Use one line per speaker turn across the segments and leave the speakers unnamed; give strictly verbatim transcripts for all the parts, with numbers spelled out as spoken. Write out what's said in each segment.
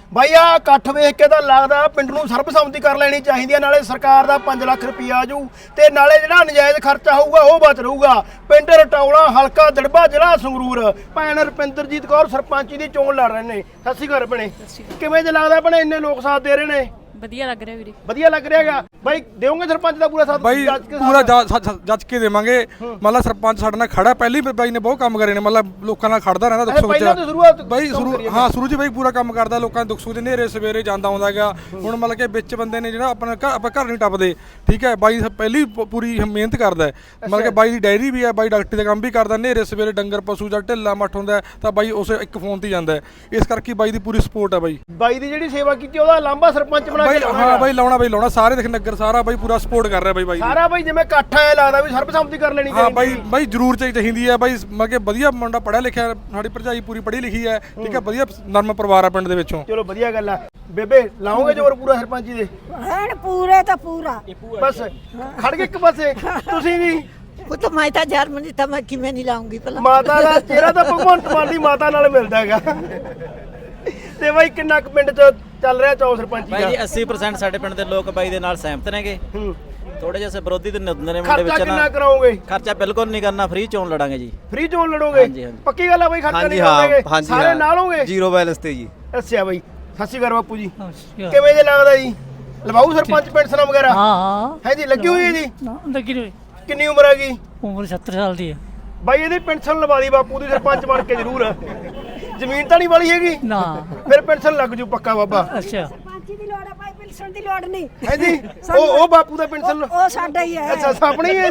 ਬਾਈ ਆ ਇਕੱਠ ਵੇਖ ਕੇ ਤਾਂ ਲੱਗਦਾ ਪਿੰਡ ਨੂੰ ਸਰਬਸੰਮਤੀ ਕਰ ਲੈਣੀ ਚਾਹੀਦੀ ਹੈ। ਨਾਲੇ ਸਰਕਾਰ ਦਾ ਪੰਜ ਲੱਖ ਰੁਪਈਆ ਆਜੂ ਤੇ ਨਾਲੇ ਜਿਹੜਾ ਨਜਾਇਜ਼ ਖਰਚਾ ਹੋਊਗਾ ਉਹ ਬਚ ਰਹੂਗਾ। ਪਿੰਡ ਰਟੌਲਾ, ਹਲਕਾ ਦੜਬਾ, ਜ਼ਿਲ੍ਹਾ ਸੰਗਰੂਰ। ਭੈਣ ਰੁਪਿੰਦਰਜੀਤ ਕੌਰ ਸਰਪੰਚ ਦੀ ਚੋਣ ਲੜ ਰਹੇ ਨੇ। ਸਤਿ ਸ਼੍ਰੀ ਅਕਾਲ ਭੈਣੇ, ਕਿਵੇਂ ਜੇ ਲੱਗਦਾ ਭੈਣੇ ਇੰਨੇ ਲੋਕ ਸਾਥ ਦੇ ਰਹੇ ਨੇ?
ਵਧੀਆ ਲੱਗ ਰਿਹਾ ਵੀਰੇ।
ਵਧੀਆ ਲੱਗ ਰਿਹਾ ਹੈਗਾ ਬਾਈ। ਦੇਵੋਗੇ ਸਰਪੰਚ ਦਾ ਪੂਰਾ ਸਾਥ?
ਬਾਈ ਪੂਰਾ ਜੱਜ ਕੇ ਦੇਵਾਂਗੇ। ਮਤਲਬ ਸਰਪੰਚ ਸਾਡੇ ਨਾਲ ਖੜਾ, ਪਹਿਲੀ ਬਾਈ ਨੇ ਬਹੁਤ ਕੰਮ ਕਰੇ ਨੇ, ਮਤਲਬ ਲੋਕਾਂ ਨਾਲ ਖੜਦਾ ਰਹਿੰਦਾ ਦੁੱਖ ਸੁੱਖ ਚ ਬਾਈ। ਸ਼ੁਰੂ ਹਾਂ ਸ਼ੁਰੂ ਚ ਬਾਈ ਪੂਰਾ ਕੰਮ ਕਰਦਾ, ਲੋਕਾਂ ਦੇ ਦੁੱਖ ਸੁੱਖ ਦੇ ਨੇਰੇ ਸਵੇਰੇ ਜਾਂਦਾ ਆਉਂਦਾ ਹੈਗਾ। ਹੁਣ ਮਤਲਬ ਕਿ ਵਿੱਚ ਬੰਦੇ ਨੇ ਜਿਹੜਾ ਆਪਣਾ ਆਪਾਂ ਘਰ ਨਹੀਂ ਟੱਪਦੇ, ਠੀਕ ਹੈ ਬਾਈ ਪਹਿਲੀ ਪੂਰੀ ਮਿਹਨਤ ਕਰਦਾ। ਮਤਲਬ ਕਿ ਬਾਈ ਦੀ ਡਾਇਰੀ ਵੀ ਹੈ, ਬਾਈ ਡਾਕਟਰੀ ਦਾ ਕੰਮ ਵੀ ਕਰਦਾ। ਨੇਰੇ ਸਵੇਰੇ ਡੰਗਰ ਪਸ਼ੂ ਜਾਂ ਢਿੱਲਾ ਮੱਠ ਹੁੰਦਾ ਤਾਂ ਬਾਈ ਉਸ ਇੱਕ ਫੋਨ ਤੇ ਜਾਂਦਾ, ਇਸ ਕਰਕੇ ਬਾਈ ਦੀ ਪੂਰੀ ਸਪੋਰਟ ਹੈ। ਬਾਈ ਬਾਈ
ਦੀ ਜਿਹੜੀ ਸੇਵਾ ਕੀਤੀ ਉਹਦਾ ਲਾਂਭਾ ਸਰਪੰਚ ਬਣਾ ਕੇ
ਹਾਂ ਬਾਈ ਲਾਉਣਾ ਬਾਈ ਲਾਉਣਾ। ਸਾਰੇ ਦੇਖ ਨਗਰ ਸਾਰਾ ਬਾਈ ਪੂਰਾ ਸਪੋਰਟ ਕਰ ਰਿਹਾ ਬਾਈ। ਬਾਈ
ਸਾਰਾ ਬਾਈ ਜਿਵੇਂ ਇਕੱਠ ਆਇਆ ਲੱਗਦਾ ਵੀ ਸਰਬਸੰਮਤੀ ਕਰ ਲੈਣੀ ਚਾਹੀਦੀ।
ਹਾਂ ਬਾਈ ਬਾਈ ਜ਼ਰੂਰ ਚਾਹੀਦੀ ਹੈ ਬਾਈ। ਮਤਲਬ ਕਿ ਵਧੀਆ ਮੁੰਡਾ ਪੜ੍ਹਿਆ ਲਿਖਿਆ, ਸਾਡੀ ਭਰਜਾਈ ਪੂਰੀ ਪੜ੍ਹੀ ਲਿਖੀ ਹੈ, ਠੀਕ ਹੈ ਵਧੀਆ ਨਰਮ ਪਰਿਵਾਰ ਆ ਪਿੰਡ ਦੇ ਵਿੱਚੋਂ।
ਚਲੋ ਵਧੀਆ ਗੱਲ ਆ। ਬੇਬੇ ਲਾਓਗੇ ਜ਼ੋਰ ਪੂਰਾ ਸਰਪੰਚੀ ਦੇ?
ਐਨ ਪੂਰੇ ਤਾਂ ਪੂਰਾ
ਬਸ ਖੜ ਕੇ ਇੱਕ ਪਾਸੇ ਤੁਸੀਂ ਵੀ।
ਉਹ ਤਾਂ ਮੈਂ ਤਾਂ ਜਰਮਨੀ ਤਾਂ ਮੈਂ ਕਿਵੇਂ ਨਹੀਂ ਲਾਉਂਗੀ ਭਲਾ।
ਮਾਤਾ ਦਾ ਚਿਹਰਾ ਤਾਂ ਭਗਵੰਤ ਮਾਨ ਦੀ ਮਾਤਾ ਨਾਲ ਮਿਲਦਾ ਹੈਗਾ। ਤੇ ਬਾਈ ਕਿੰਨਾ ਕੁ ਪਿੰਡ ਚ ਚੱਲ ਰਿਹਾ ਚੌ ਸਰਪੰਚੀ ਦਾ?
ਬਾਈ ਜੀ ਅੱਸੀ ਪ੍ਰਸੈਂਟ ਸਾਡੇ ਪਿੰਡ ਦੇ ਲੋਕ ਬਾਈ ਦੇ ਨਾਲ ਸਹਿਮਤ ਨੇਗੇ। ਥੋੜੇ ਜਿਹੇ ਵਿਰੋਧੀ ਤੇ ਨਿੰਦਨ ਨੇ ਮੁੰਡੇ ਵਿੱਚ
ਖਰਚਾ ਕਿੰਨਾ ਕਰਾਓਗੇ?
ਖਰਚਾ ਬਿਲਕੁਲ ਨਹੀਂ ਕਰਨਾ, ਫ੍ਰੀ ਚੋਣ ਲੜਾਂਗੇ ਜੀ।
ਫ੍ਰੀ ਚੋਣ ਲੜੋਗੇ? ਪੱਕੀ ਗੱਲ ਆ ਬਾਈ? ਖਰਚਾ ਨਹੀਂ ਕਰਾਓਗੇ? ਸਾਰੇ ਨਾਲ ਹੋਗੇ?
ਜ਼ੀਰੋ ਬੈਲੈਂਸ ਤੇ ਜੀ।
ਅੱਛਾ ਬਾਈ, ਸਤਿ ਸ਼੍ਰੀ ਅਕਾਲ ਬਾਪੂ ਜੀ। ਕਿਵੇਂ ਜੇ ਲੱਗਦਾ ਜੀ ਲਵਾਉ ਸਰਪੰਚ ਪੈਨਸ਼ਨ ਵਗੈਰਾ?
ਹਾਂ ਹਾਂ
ਹੈ ਜੀ, ਲੱਗੀ ਹੋਈ ਹੈ ਜੀ।
ਲੱਗੀ ਹੋਈ।
ਕਿੰਨੀ ਉਮਰ ਹੈਗੀ?
ਉਮਰ ਸੱਤਰ ਸਾਲ ਦੀ ਹੈ
ਬਾਈ। ਇਹਦੀ ਪੈਨਸ਼ਨ ਲਵਾ ਦੀ ਬਾਪੂ ਦੀ ਸਰਪੰਚ ਬਣ ਕੇ ਜ਼ਰੂਰ। ਜ਼ਮੀਨ ਤਾਂ ਨਹੀਂ ਵਾਲੀ ਹੈਗੀ
ਨਾ,
ਫਿਰ ਪੈਨਸ਼ਨ ਲੱਗ ਜੂ ਪੱਕਾ ਬਾਬਾ।
ਅੱਛਾ
ਸਰਪੰਚੀ ਦੀ ਲੋੜ ਆ ਭਾਈ, ਪੈਨਸ਼ਨ ਦੀ ਲੋੜ ਨਹੀਂ
ਹੈ ਜੀ। ਉਹ ਉਹ ਬਾਪੂ ਦਾ ਪੈਨਸ਼ਨ
ਉਹ ਸਾਡਾ ਹੀ ਹੈ।
ਅੱਛਾ ਆਪਣੀ ਹੈ।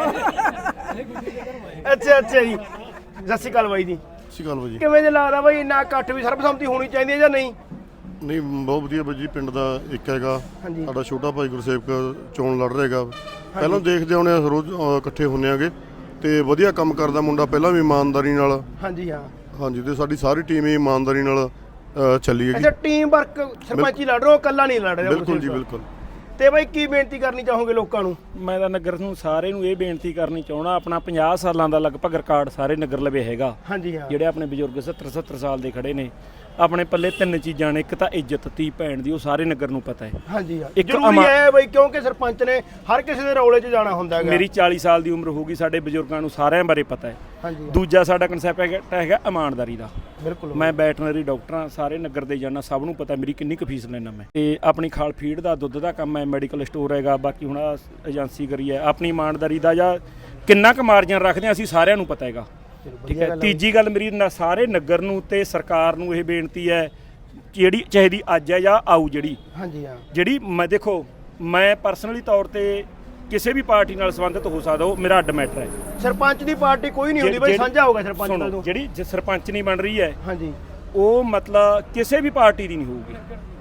ਅੱਛਾ ਅੱਛਾ ਜੀ। ਸਤਿ ਸ਼੍ਰੀ ਅਕਾਲ ਬਾਈ ਜੀ।
ਸਤਿ ਸ਼੍ਰੀ ਅਕਾਲ ਬਾਈ ਜੀ।
ਕਿਵੇਂ ਜੇ ਲੱਗਦਾ ਬਾਈ ਇੰਨਾ ਇਕੱਠ ਵੀ ਸਰਬਸੰਮਤੀ ਹੋਣੀ ਚਾਹੀਦੀ ਹੈ ਜਾਂ ਨਹੀਂ?
ਨਹੀਂ ਬਹੁਤ ਵਧੀਆ ਬਾਈ ਜੀ। ਪਿੰਡ ਦਾ ਇੱਕ ਹੈਗਾ ਸਾਡਾ ਛੋਟਾ ਭਾਈ ਗੁਰਸੇਵਕ ਚੋਣ ਲੜ ਰਿਹਾ ਹੈਗਾ। ਪਹਿਲਾਂ ਦੇਖਦੇ ਆਉਣੇ ਆ, ਰੋਜ਼ ਇਕੱਠੇ ਹੁੰਨੇ ਆਗੇ ਤੇ ਵਧੀਆ ਕੰਮ ਕਰਦਾ ਮੁੰਡਾ, ਪਹਿਲਾਂ ਵੀ ਇਮਾਨਦਾਰੀ ਨਾਲ।
ਹਾਂਜੀ ਹਾਂ
ਹਾਂਜੀ, ਤੇ ਸਾਡੀ ਸਾਰੀ ਟੀਮ ਹੀ ਇਮਾਨਦਾਰੀ ਨਾਲ ਚੱਲੀ ਹੈਗੀ।
ਅੱਛਾ ਟੀਮ ਵਰਕ ਸਰਪੰਚੀ ਲੜ ਰਹੇ ਹੋ, ਇਕੱਲਾ ਨਹੀਂ ਲੜ ਰਿਹਾ?
ਬਿਲਕੁਲ ਜੀ ਬਿਲਕੁਲ।
ਤੇ ਬਾਈ ਕੀ ਬੇਨਤੀ ਕਰਨੀ ਚਾਹੋਗੇ ਲੋਕਾਂ ਨੂੰ?
ਮੈਂ ਤਾਂ ਨਗਰ ਨੂੰ ਸਾਰੇ ਨੂੰ ਇਹ ਬੇਨਤੀ ਕਰਨੀ ਚਾਹਣਾ, ਆਪਣਾ ਪੰਜਾਹ ਸਾਲਾਂ ਦਾ ਲਗਭਗ ਰਿਕਾਰਡ ਸਾਰੇ ਨਗਰ ਲਵੇ ਹੈਗਾ।
ਹਾਂਜੀ ਹਾਂ।
ਜਿਹੜੇ ਆਪਣੇ ਬਜ਼ੁਰਗ ਸੱਤਰ ਸੱਤਰ ਸਾਲ ਦੇ ਖੜੇ ਨੇ, ਆਪਣੇ ਪੱਲੇ ਤਿੰਨ ਚੀਜ਼ਾਂ ਨੇ। ਇੱਕ ਤਾਂ ਇੱਜ਼ਤ, ਧੀ ਭੈਣ ਦੀ, ਉਹ ਸਾਰੇ ਨਗਰ ਨੂੰ ਪਤਾ ਹੈ।
ਹਾਂਜੀ ਹਾਂ,
ਇੱਕ
ਜ਼ਰੂਰੀ ਹੈ ਬਈ, ਕਿਉਂਕਿ ਸਰਪੰਚ ਨੇ ਹਰ ਕਿਸੇ ਦੇ ਰੌਲੇ 'ਚ ਜਾਣਾ ਹੁੰਦਾ ਹੈਗਾ।
ਮੇਰੀ ਚਾਲੀ ਸਾਲ ਦੀ ਉਮਰ ਹੋ ਗਈ, ਸਾਡੇ ਬਜ਼ੁਰਗਾਂ ਨੂੰ ਸਾਰਿਆਂ ਬਾਰੇ ਪਤਾ ਹੈ।
ਹਾਂਜੀ।
ਦੂਜਾ ਸਾਡਾ ਕਨਸੈਪਟ ਹੈਗਾ ਇਮਾਨਦਾਰੀ ਦਾ।
ਬਿਲਕੁਲ।
ਮੈਂ ਵੈਟਰਨਰੀ ਡਾਕਟਰ ਹਾਂ, ਸਾਰੇ ਨਗਰ ਦੇ ਜਾਣਾ, ਸਭ ਨੂੰ ਪਤਾ ਮੇਰੀ ਕਿੰਨੀ ਕੁ ਫੀਸ ਲੈਣਾ ਮੈਂ। ਤੇ ਆਪਣੀ ਖਾਲ ਫੀਡ ਦਾ, ਦੁੱਧ ਦਾ ਕੰਮ ਹੈ, ਮੈਡੀਕਲ ਸਟੋਰ ਹੈਗਾ। ਬਾਕੀ ਹੁਣ ਏਜੰਸੀ ਕਰੀ ਹੈ। ਆਪਣੀ ਇਮਾਨਦਾਰੀ ਦਾ ਜਾਂ ਕਿੰਨਾ ਕੁ ਮਾਰਜਨ ਰੱਖਦੇ ਹਾਂ ਅਸੀਂ ਸਾਰਿਆਂ ਨੂੰ ਪਤਾ ਹੈਗਾ, ਠੀਕ ਹੈ। ਤੀਜੀ ਗੱਲ ਮੇਰੀ ਸਾਰੇ ਨਗਰ ਨੂੰ ਤੇ ਸਰਕਾਰ ਨੂੰ ਇਹ ਬੇਨਤੀ ਹੈ, ਜਿਹੜੀ ਚਾਹੀਦੀ ਅੱਜ ਹੈ ਜਾਂ ਆਊ, ਜਿਹੜੀ
ਹਾਂਜੀ ਹਾਂ
ਜਿਹੜੀ ਮੈਂ ਦੇਖੋ ਮੈਂ ਪਰਸਨਲੀ ਤੌਰ ਤੇ ਕਿਸੇ ਵੀ ਪਾਰਟੀ ਨਾਲ ਸੰਬੰਧਿਤ ਹੋ ਸਕਦਾ, ਉਹ ਮੇਰਾ ਅੱਡ ਮੈਟਰ ਹੈ।
ਸਰਪੰਚ ਦੀ ਪਾਰਟੀ ਕੋਈ ਨਹੀਂ ਹੁੰਦੀ ਬਈ, ਸਾਂਝਾ ਹੋਗਾ ਸਰਪੰਚ ਦਾ।
ਜਿਹੜੀ ਸਰਪੰਚ ਨਹੀਂ ਬਣ ਰਹੀ ਹੈ,
ਹਾਂਜੀ,
ਉਹ ਮਤਲਬ ਕਿਸੇ ਵੀ ਪਾਰਟੀ ਦੀ ਨਹੀਂ ਹੋਊਗੀ,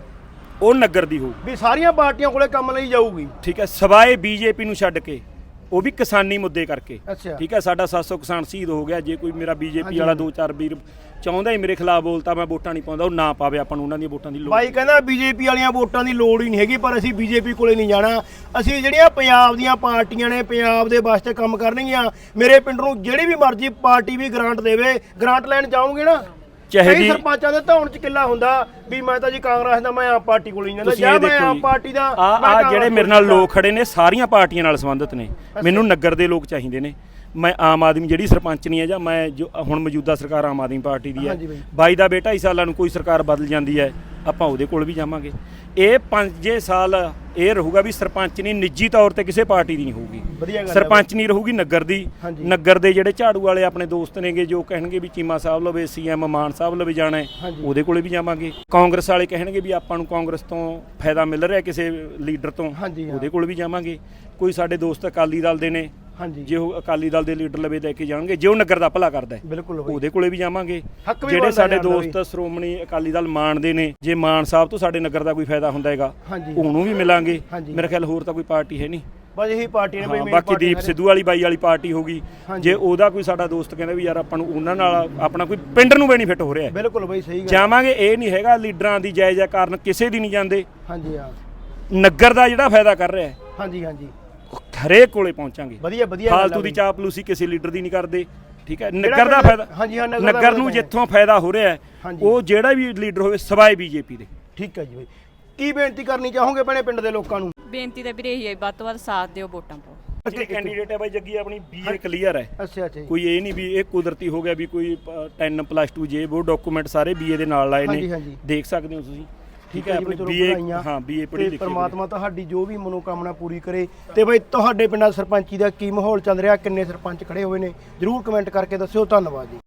ਉਹ ਨਗਰ ਦੀ ਹੋਊ
ਵੀ ਸਾਰੀਆਂ ਪਾਰਟੀਆਂ ਕੋਲੇ ਕੰਮ ਲਈ ਜਾਊਗੀ,
ਠੀਕ ਹੈ। ਸਵਾਏ ਬੀਜੇਪੀ ਨੂੰ ਛੱਡ ਕੇ, ਉਹ ਵੀ ਕਿਸਾਨੀ ਮੁੱਦੇ ਕਰਕੇ, ਠੀਕ ਹੈ। ਸਾਡਾ ਸੱਤ ਸੌ ਕਿਸਾਨ ਸ਼ਹੀਦ ਹੋ ਗਿਆ। ਜੇ ਕੋਈ ਮੇਰਾ ਬੀਜੇਪੀ ਵਾਲਾ ਦੋ ਚਾਰ ਵੀਰ ਚਾਹੁੰਦਾ ਹੀ ਮੇਰੇ ਖਿਲਾਫ ਬੋਲਤਾ, ਮੈਂ ਵੋਟਾਂ ਨਹੀਂ ਪਾਉਂਦਾ, ਉਹ ਨਾ ਪਾਵੇ, ਆਪਾਂ ਨੂੰ ਉਹਨਾਂ ਦੀਆਂ ਵੋਟਾਂ ਦੀ ਲੋੜ।
ਬਾਈ ਕਹਿੰਦਾ ਬੀਜੇਪੀ ਵਾਲੀਆਂ ਵੋਟਾਂ ਦੀ ਲੋੜ ਹੀ ਨਹੀਂ ਹੈਗੀ, ਪਰ ਅਸੀਂ ਬੀਜੇਪੀ ਕੋਲੇ ਨਹੀਂ ਜਾਣਾ। ਅਸੀਂ ਜਿਹੜੀਆਂ ਪੰਜਾਬ ਦੀਆਂ ਪਾਰਟੀਆਂ ਨੇ, ਪੰਜਾਬ ਦੇ ਵਾਸਤੇ ਕੰਮ ਕਰਨਗੀਆਂ। ਮੇਰੇ ਪਿੰਡ ਨੂੰ ਜਿਹੜੀ ਵੀ ਮਰਜ਼ੀ ਪਾਰਟੀ ਵੀ ਗ੍ਰਾਂਟ ਦੇਵੇ, ਗ੍ਰਾਂਟ ਲੈਣ ਜਾਓਗੇ ਨਾ, ਕਈ ਸਰਪੰਚਾਂ ਦੇ ਧੌਣ ਚ ਕਿੱਲਾ ਹੁੰਦਾ ਵੀ ਮੈਂ ਤਾਂ ਜੀ ਕਾਂਗਰਸ ਦਾ, ਮੈਂ ਆਮ ਪਾਰਟੀ ਕੋਲ ਨਹੀਂ ਜਾਂਦਾ, ਜਾਂ ਮੈਂ ਆਮ ਪਾਰਟੀ ਦਾ।
ਆ ਜਿਹੜੇ ਮੇਰੇ ਨਾਲ ਲੋਕ ਖੜੇ ਨੇ ਸਾਰੀਆਂ ਪਾਰਟੀਆਂ ਨਾਲ ਸੰਬੰਧਿਤ ਨੇ, ਮੈਨੂੰ ਨਗਰ ਦੇ ਲੋਕ ਚਾਹੀਦੇ ਨੇ। ਮੈਂ ਆਮ ਆਦਮੀ ਜਿਹੜੀ ਸਰਪੰਚ ਨਹੀਂ ਹੈ, ਜਾਂ ਮੈਂ ਜੋ ਹੁਣ ਮੌਜੂਦਾ ਸਰਕਾਰ ਆਮ ਆਦਮੀ ਪਾਰਟੀ ਦੀ ਹੈ, ਬਾਈ ਦਾ ਬੇਟਾ ਢਾਈ ਸਾਲਾਂ ਨੂੰ ਕੋਈ ਸਰਕਾਰ ਬਦਲ ਜਾਂਦੀ ਹੈ, ਆਪਾਂ ਉਹਦੇ ਕੋਲ ਵੀ ਜਾਵਾਂਗੇ। ਇਹ ਪੰਜੇ ਸਾਲ ਇਹ ਰਹੂਗਾ ਵੀ ਸਰਪੰਚ ਨਹੀਂ ਨਿੱਜੀ ਤੌਰ ਤੇ ਕਿਸੇ ਪਾਰਟੀ ਦੀ ਨਹੀਂ ਹੋਊਗੀ, ਸਰਪੰਚ ਨਹੀਂ ਰਹੂਗੀ ਨਗਰ ਦੀ। ਨਗਰ ਦੇ ਜਿਹੜੇ ਝਾੜੂ ਵਾਲੇ ਆਪਣੇ ਦੋਸਤ ਨੇਗੇ, ਜੋ ਕਹਿਣਗੇ ਵੀ ਚੀਮਾ ਸਾਹਿਬ ਲਵੇ, ਸੀਐਮ ਮਾਨ ਸਾਹਿਬ ਲਵੇ ਜਾਣਾ, ਉਹਦੇ ਕੋਲੇ ਵੀ ਜਾਵਾਂਗੇ। ਕਾਂਗਰਸ ਵਾਲੇ ਕਹਿਣਗੇ ਵੀ ਆਪਾਂ ਨੂੰ ਕਾਂਗਰਸ ਤੋਂ ਫਾਇਦਾ ਮਿਲ ਰਿਹਾ ਕਿਸੇ ਲੀਡਰ ਤੋਂ, ਉਹਦੇ ਕੋਲ ਵੀ ਜਾਵਾਂਗੇ। ਕੋਈ ਸਾਡੇ ਦੋਸਤ ਅਕਾਲੀ ਦਲ ਦੇ ਨੇ, ਜੇ ਉਹ ਅਕਾਲੀ ਦਲ ਦੇ ਲੀਡਰ ਲਵੇ ਲੈ ਕੇ ਜਾਣਗੇ, ਜੇ ਉਹ ਨਗਰ ਦਾ ਭਲਾ ਕਰਦਾ ਉਹਦੇ ਕੋਲੇ ਵੀ ਜਾਵਾਂਗੇ। ਜਿਹੜੇ ਸਾਡੇ ਦੋਸਤ ਸ਼੍ਰੋਮਣੀ ਅਕਾਲੀ ਦਲ ਮਾਨ ਦੇ ਨੇ, ਜੇ ਮਾਨ ਸਾਹਿਬ ਤੋਂ ਸਾਡੇ ਨਗਰ ਦਾ ਕੋਈ ਫਾਇਦਾ ਹੁੰਦਾ ਹੈਗਾ, ਉਹਨੂੰ ਵੀ ਮਿਲਾਂਗੇ। ਮੇਰੇ ਖਿਆਲ ਹੋਰ ਤਾਂ ਕੋਈ ਪਾਰਟੀ ਹੈ ਨਹੀਂ, ਬਸ ਇਹੀ ਪਾਰਟੀ ਨੇ। ਬਾਕੀ ਦੀਪ ਸਿੱਧੂ ਵਾਲੀ ਬਾਈ ਵਾਲੀ ਪਾਰਟੀ ਹੋਗੀ, ਜੇ ਉਹਦਾ ਕੋਈ ਸਾਡਾ ਦੋਸਤ ਕਹਿੰਦਾ ਵੀ ਯਾਰ ਆਪਾਂ ਨੂੰ ਉਹਨਾਂ ਨਾਲ ਆਪਣਾ ਕੋਈ ਪਿੰਡ ਨੂੰ ਬੈਨੀਫਿਟ ਹੋ ਰਿਹਾ, ਬਿਲਕੁਲ ਬਈ ਸਹੀ ਗੱਲ, ਜਾਵਾਂਗੇ। ਇਹ ਨਹੀਂ ਹੈਗਾ ਲੀਡਰਾਂ ਦੀ ਜਾਇਜ਼ਾ ਕਾਰਨ ਕਿਸੇ ਦੀ ਨਹੀਂ ਜਾਂਦੇ। ਹਾਂਜੀ ਹਾਂ, ਨਗਰ ਦਾ ਜਿਹੜਾ ਫਾਇਦਾ ਕਰ ਰਿਹਾ, ਹਾਂਜੀ ਹਾਂਜੀ, ਹਰੇਕ ਕੋਲੇ ਪਹੁੰਚਾਂਗੇ। ਵਧੀਆ ਵਧੀਆ, ਫਾਲਤੂ ਦੀ ਚਾਪਲੂਸੀ ਕਿਸੇ ਲੀਡਰ ਦੀ ਨਹੀਂ ਕਰਦੇ। ਠੀਕ ਹੈ ਨਗਰ ਦਾ ਫਾਇਦਾ
ਹਾਂਜੀ ਹਾਂ
ਨਗਰ ਨੂੰ ਜਿੱਥੋਂ ਫਾਇਦਾ ਹੋ ਰਿਹਾ ਹੈ ਉਹ ਜਿਹੜਾ ਵੀ ਲੀਡਰ ਹੋਵੇ ਸਵਾਏ ਬੀਜੇਪੀ ਦੇ।
ਠੀਕ ਹੈ ਜੀ ਬਾਈ ਕੀ ਬੇਨਤੀ ਕਰਨੀ ਚਾਹੋਗੇ ਭੈਣੇ ਪਿੰਡ ਦੇ ਲੋਕਾਂ ਨੂੰ?
ਬੇਨਤੀ ਤਾਂ ਵੀਰੇ ਇਹੀ ਹੈ ਵੱਧ ਤੋਂ ਵੱਧ ਸਾਥ ਦਿਓ ਵੋਟਾਂ ਪਾਓ।
ਜਿਹੜੇ ਕੈਂਡੀਡੇਟ ਹੈ ਬਾਈ ਜੱਗੀ ਆਪਣੀ ਬੀਏ ਕਲੀਅਰ ਹੈ।
ਅੱਛਾ ਅੱਛਾ
ਕੋਈ ਇਹ ਨਹੀਂ ਵੀ ਇਹ ਕੁਦਰਤੀ ਹੋ ਗਿਆ ਵੀ ਕੋਈ ਦਸ ਪਲੱਸ ਟੂ ਜੇ ਉਹ ਡਾਕੂਮੈਂਟ ਸਾਰੇ ਬੀਏ ਦੇ ਨਾਲ ਲਾਏ ਨੇ ਦੇਖ ਸਕਦੇ ਹੋ ਤੁਸੀਂ। ਠੀਕ ਹੈ ਆਪਣੀ ਬੀਏ ਹਾਂ ਬੀਏ ਪੜ੍ਹੀ ਲਿਖੀ
ਪਰਮਾਤਮਾ ਤੁਹਾਡੀ ਜੋ ਵੀ ਮਨੋਕਾਮਨਾ ਪੂਰੀ ਕਰੇ। ਤੇ ਬਾਈ ਤੁਹਾਡੇ ਪਿੰਡਾਂ ਸਰਪੰਚੀ ਦਾ ਕੀ ਮਾਹੌਲ ਚੱਲ ਰਿਹਾ ਕਿੰਨੇ ਸਰਪੰਚ ਖੜੇ ਹੋਏ ਨੇ ਜਰੂਰ ਕਮੈਂਟ ਕਰਕੇ ਦੱਸਿਓ। ਧੰਨਵਾਦ ਜੀ।